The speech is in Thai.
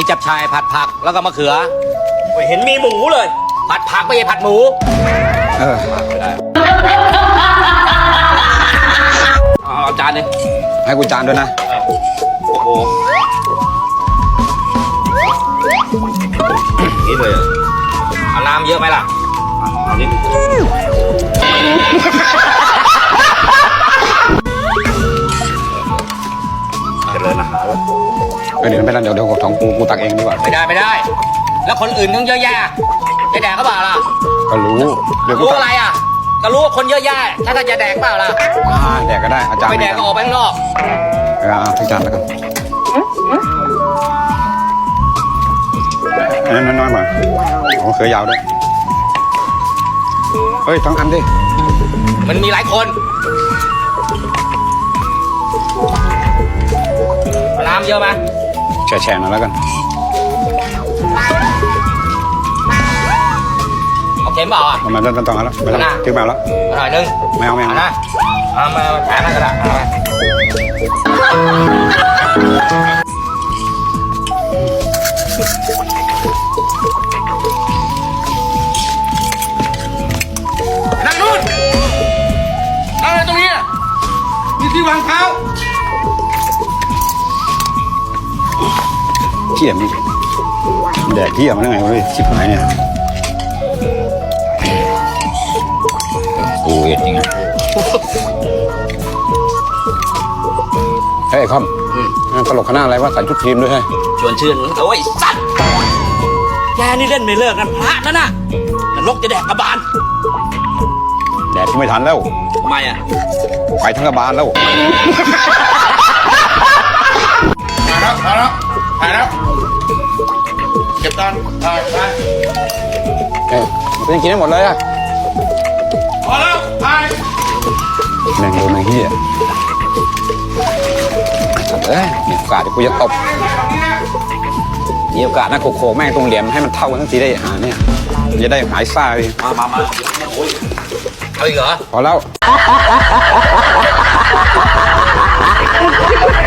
จับชายผัดผักแล้วก็มะเขือไม่เห็นมีหมูเลยผัดผักไม่ใช่ผัดหมู เอาจานเลยให้กูจานด้วยนะโอ้โหนี่เลยเอาน้ำเยอะไหมล่ะเอานิดเจริญอาหารเดี๋ยวไม่เป็นไรเดี๋ยวของกูตักเองดีกว่าไม่ได้ แล้วคนอื่นต้องเยอะแยะจะแดกก็เปล่าล่ะก็รู้เดี๋ยวกูรู้ตักอะไรอ่ะก็รู้ว่าคนเยอะแยะถ้าจะแดกเปล่าล่ะแดกก็ได้อาจารย์ไม่แดกก็ออกไปข้างนอกทุกจานแล้วกันน้อยๆมาของเขือยาวด้วยเฮ้ย2 อันดิมันมีหลายคนน้ำเยอะไหมแฉะๆหน่อยแล้วกันเอาเค็มเปล่าอ่ะมันต้องแล้วไม่ต้องถึงแมวแล้วหน่อยนึงไม่เอานะเอามาแถมกันก็ได้เอาไปนั่งนู่นนั่งอะไรตรงนี้นี่ที่วางเท้าเที่ยมดิแดกเที่ยมได้ไงวะชิบหายเนี่ยกูเห็นจริงอ่ะเฮ้ยคอมตลกคณะอะไรวะใส่ชุดทีมด้วยให้ชวนชื่นโอ้ยสัตว์แกนี่เล่นไม่เลิกกันพระนั่นน่ะนรกจะแดกกระบาลแดกที่ไม่ทันแล้วทำไมอ่ะไปทั้งกระบาลแล้วถ่ายแล้วเก็บตอนถ่ายเป็นกินได้หมดเลยอะพอแล้วถ่ายแม่งโดนไอ้เหี้ยมีโอกาสเดี๋ยวกูจะตบมีโอกาสนะโขกแม่งตรงเหลี่ยมให้มันเท่ากันทั้งทีได้เนี่ยจะได้หายซ่าเลยมาเอาอีกเหรอพอแล้ว